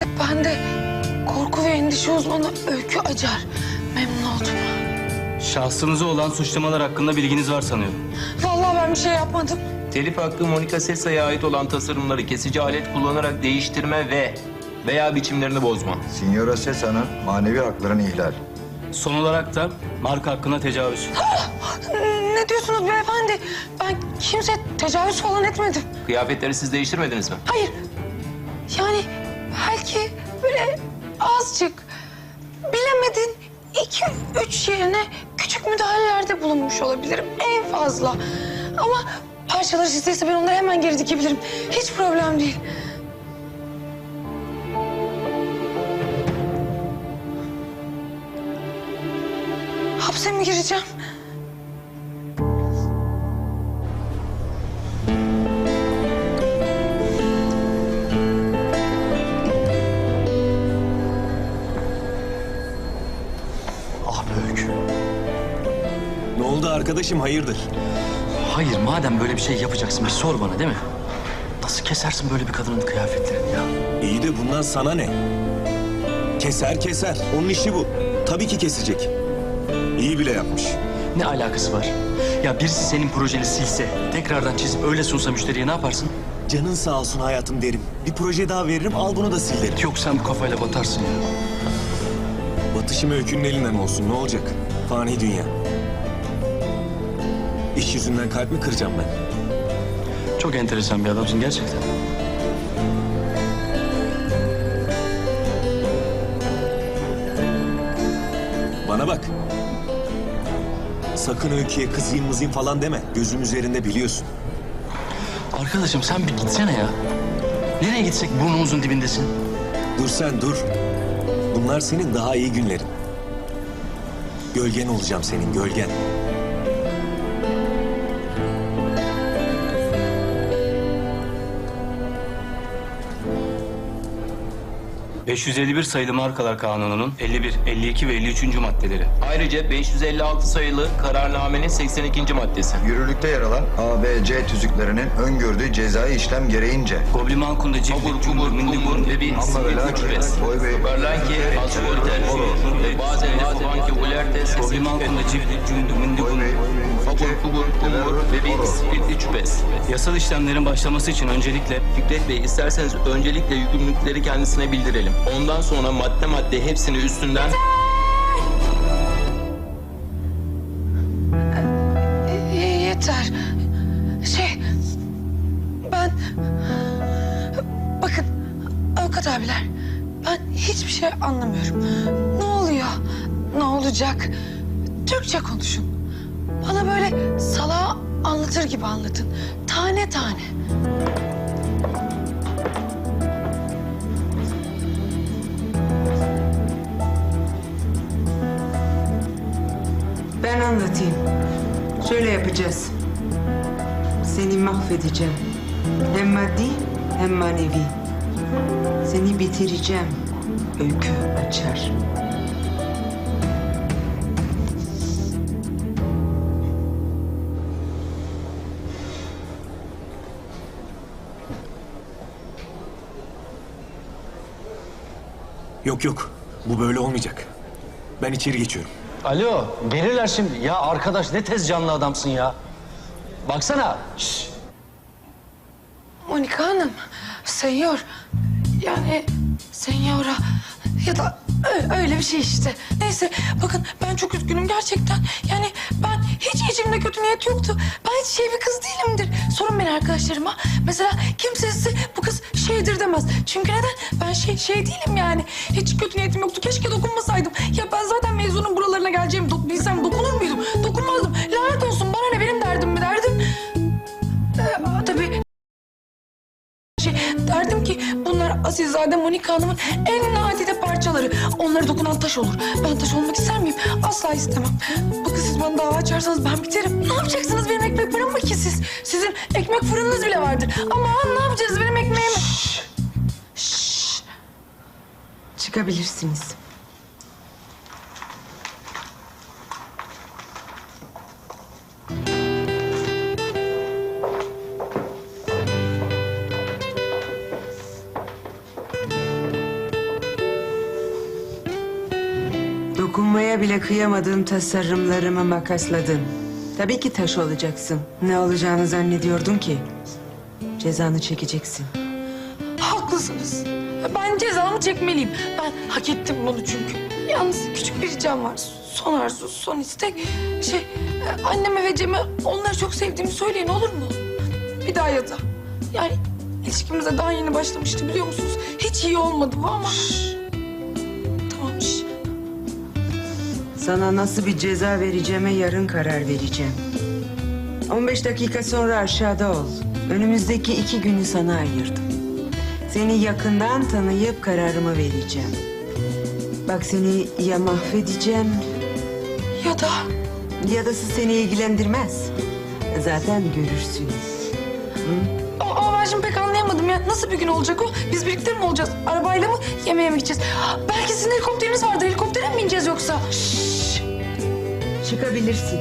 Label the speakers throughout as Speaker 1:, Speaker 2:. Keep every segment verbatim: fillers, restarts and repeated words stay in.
Speaker 1: Ben de korku ve endişe uzmanı Öykü Acar. Memnun oldum.
Speaker 2: Şahsınıza olan suçlamalar hakkında bilginiz var sanıyorum.
Speaker 1: Vallahi ben bir şey yapmadım.
Speaker 3: Telif hakkı Monica Sessa'ya ait olan tasarımları kesici alet kullanarak değiştirme ve veya biçimlerini bozma.
Speaker 4: Signora Sessa'nın manevi haklarını ihlal.
Speaker 2: Son olarak da marka hakkına tecavüz.
Speaker 1: Ne diyorsunuz beyefendi? Ben kimse tecavüz falan etmedim.
Speaker 3: Kıyafetleri siz değiştirmediniz mi?
Speaker 1: Hayır. Yani belki böyle azıcık bilemedin iki üç yerine küçük müdahalelerde bulunmuş olabilirim en fazla. Ama parçaları sizdeyse ben onları hemen geri dikebilirim. Hiç problem değil. Hapse mi gireceğim?
Speaker 5: Ah be Öykü.
Speaker 6: Ne oldu arkadaşım, hayırdır?
Speaker 5: Hayır, madem böyle bir şey yapacaksın bir sor bana, değil mi? Nasıl kesersin böyle bir kadının kıyafetlerini ya?
Speaker 6: İyi de bundan sana ne? Keser keser, onun işi bu. Tabii ki kesecek. İyi bile yapmış.
Speaker 5: Ne alakası var? Ya birisi senin projeni silse, tekrardan çizip öyle sunsa müşteriye ne yaparsın?
Speaker 6: Canın sağ olsun hayatım derim. Bir proje daha veririm, al bunu da sil derim.
Speaker 5: Yok sen bu kafayla batarsın ya.
Speaker 6: Batışım Öykü'nün elinden olsun, ne olacak? Fani dünya. İş yüzünden kalp mi kıracağım ben?
Speaker 5: Çok enteresan bir adamsın gerçekten.
Speaker 6: Bana bak. Sakın Öykü'ye kızayım mızayım falan deme. Gözüm üzerinde biliyorsun.
Speaker 5: Arkadaşım sen bir gitsene ya. Nereye gitsek burnumuzun dibindesin.
Speaker 6: Dur sen dur. Bunlar senin daha iyi günlerin. Gölgen olacağım senin, gölgen.
Speaker 2: beş yüz elli bir sayılı markalar kanununun elli bir, elli iki ve elli üçüncü maddeleri.
Speaker 3: Ayrıca beş yüz elli altı sayılı kararnamenin seksen ikinci maddesi.
Speaker 4: Yürürlükte yer alan A, B, C tüzüklerinin öngördüğü cezai işlem gereğince
Speaker 2: Gobliman kunda
Speaker 3: Kubur,
Speaker 2: ciflik,
Speaker 3: kubur,
Speaker 2: cumhur, mindigur,
Speaker 3: kubur ve bir
Speaker 4: Amma
Speaker 3: sivil
Speaker 4: ve
Speaker 3: güç
Speaker 4: lakin,
Speaker 3: res.
Speaker 4: boy ve-
Speaker 3: Berlanki, asfalter ve bazen de banki ulertes,
Speaker 2: Gobliman kunda ciflik, cumhur, mindigur.
Speaker 3: Kubur, kubur, kubur ve bir sivil güç.
Speaker 2: Yasal işlemlerin başlaması için öncelikle
Speaker 3: Fikret Bey, isterseniz öncelikle yükümlülükleri kendisine bildirelim. Ondan sonra madde madde hepsini üstünden...
Speaker 1: Y- yeter. Şey, ben... Bakın, avukat abiler, ben hiçbir şey anlamıyorum. Ne oluyor, ne olacak? Türkçe konuşun. Bana böyle salağa anlatır gibi anlatın. Tane tane.
Speaker 7: Ben anlatayım. Şöyle yapacağız. Seni mahvedeceğim. Hem maddi hem manevi. Seni bitireceğim. Öykü Acar.
Speaker 6: Yok yok, bu böyle olmayacak. Ben içeri geçiyorum.
Speaker 5: Alo, gelirler şimdi. Ya arkadaş ne tez canlı adamsın ya. Baksana. Şş.
Speaker 1: Monika Hanım, senyor, yani senyora ya da ö- öyle bir şey işte. Neyse, bakın ben çok üzgünüm gerçekten. Yani ben hiç içimde kötü niyet yoktu. Ben hiç şey bir kız değilimdir. Sorun beni arkadaşlarıma. Mesela kimse size bu kız şeydir demez. Çünkü neden? Ben şey şey değilim yani. Hiç kötü niyetim yoktu. Keşke dokunmasaydım. Ya ben zaten mezunun buralarına geleceğimi dok bilsem dokunur muydum? Dokunmazdım. Lanet olsun, bana ne, benim derdim mi derdim? Ee, tabii. Şey, derdim ki bunlar Asilzade Monika Hanım'ın en nadide parçaları. Onlara dokunan taş olur. Ben taş olmak ister miyim? Asla istemem. Bakın siz bana dava açarsanız ben biterim. Ne yapacaksınız, benim ekmek fırın mı ki siz? Sizin ekmek fırınınız bile vardır. Ama ne yapacağız benim ekmeğimi?
Speaker 7: Şşş. Çıkabilirsiniz. Dokunmaya bile kıyamadığım tasarımlarımı makasladın. Tabii ki taş olacaksın. Ne olacağını zannediyordun ki? Cezanı çekeceksin.
Speaker 1: Haklısınız. Ben cezamı çekmeliyim. Ben hak ettim bunu çünkü. Yalnız küçük bir ricam var. Son arzu, son istek. Şey, anneme ve Cem'e onları çok sevdiğimi söyleyin, olur mu? Bir daha ya da. Yani ilişkimize daha yeni başlamıştı, biliyor musunuz? Hiç iyi olmadı bu ama. Tamam, şş.
Speaker 7: Sana nasıl bir ceza vereceğime yarın karar vereceğim. on beş dakika sonra aşağıda ol. Önümüzdeki iki günü sana ayırdım. Seni yakından tanıyıp kararımı vereceğim. Bak seni ya mahvedeceğim
Speaker 1: Ya da
Speaker 7: ya da seni ilgilendirmez. Zaten görürsün.
Speaker 1: ama, ama ben şimdi pek anlayamadım ya. Nasıl bir gün olacak o? Biz birlikte mi olacağız? Arabayla mı? Yemeğe mi gideceğiz? Belki sizin helikopteriniz vardır. Helikoptere mi bineceğiz yoksa? Şşş.
Speaker 7: Çıkabilirsin.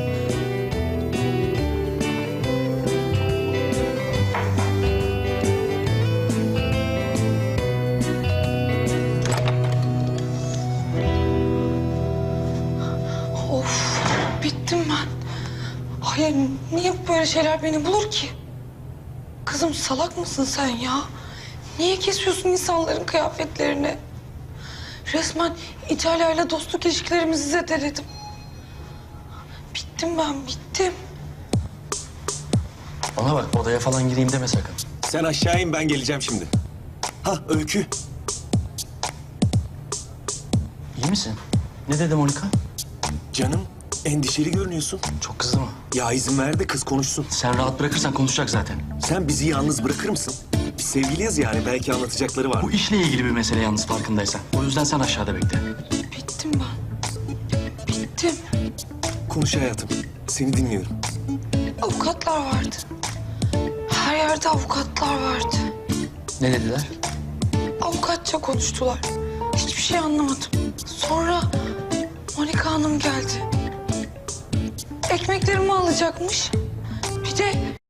Speaker 1: Of, bittim ben. Hayır, niye böyle şeyler beni bulur ki? Kızım salak mısın sen ya? Niye kesiyorsun insanların kıyafetlerini? Resmen İtalya'yla dostluk ilişkilerimizi zedeledim. Bittim ben, bittim.
Speaker 5: Bana bak odaya falan gireyim deme sakın.
Speaker 6: Sen aşağı in, ben geleceğim şimdi. Ha Öykü.
Speaker 5: İyi misin? Ne dedi Monika?
Speaker 6: Canım, endişeli görünüyorsun.
Speaker 5: Çok kızdı mı?
Speaker 6: Ya izin ver de kız konuşsun.
Speaker 5: Sen rahat bırakırsan konuşacak zaten.
Speaker 6: Sen bizi yalnız bırakır mısın? Biz sevgiliyiz yani, belki anlatacakları var.
Speaker 5: Bu işle ilgili bir mesele yalnız farkındaysan. O yüzden sen aşağıda bekle.
Speaker 1: Bittim ben. Bittim.
Speaker 6: Konuş hayatım, seni dinliyorum.
Speaker 1: Avukatlar vardı. Her yerde avukatlar vardı.
Speaker 5: Ne dediler?
Speaker 1: Avukatça konuştular. Hiçbir şey anlamadım. Sonra Monika Hanım geldi. Ekmeklerimi alacakmış. Bir de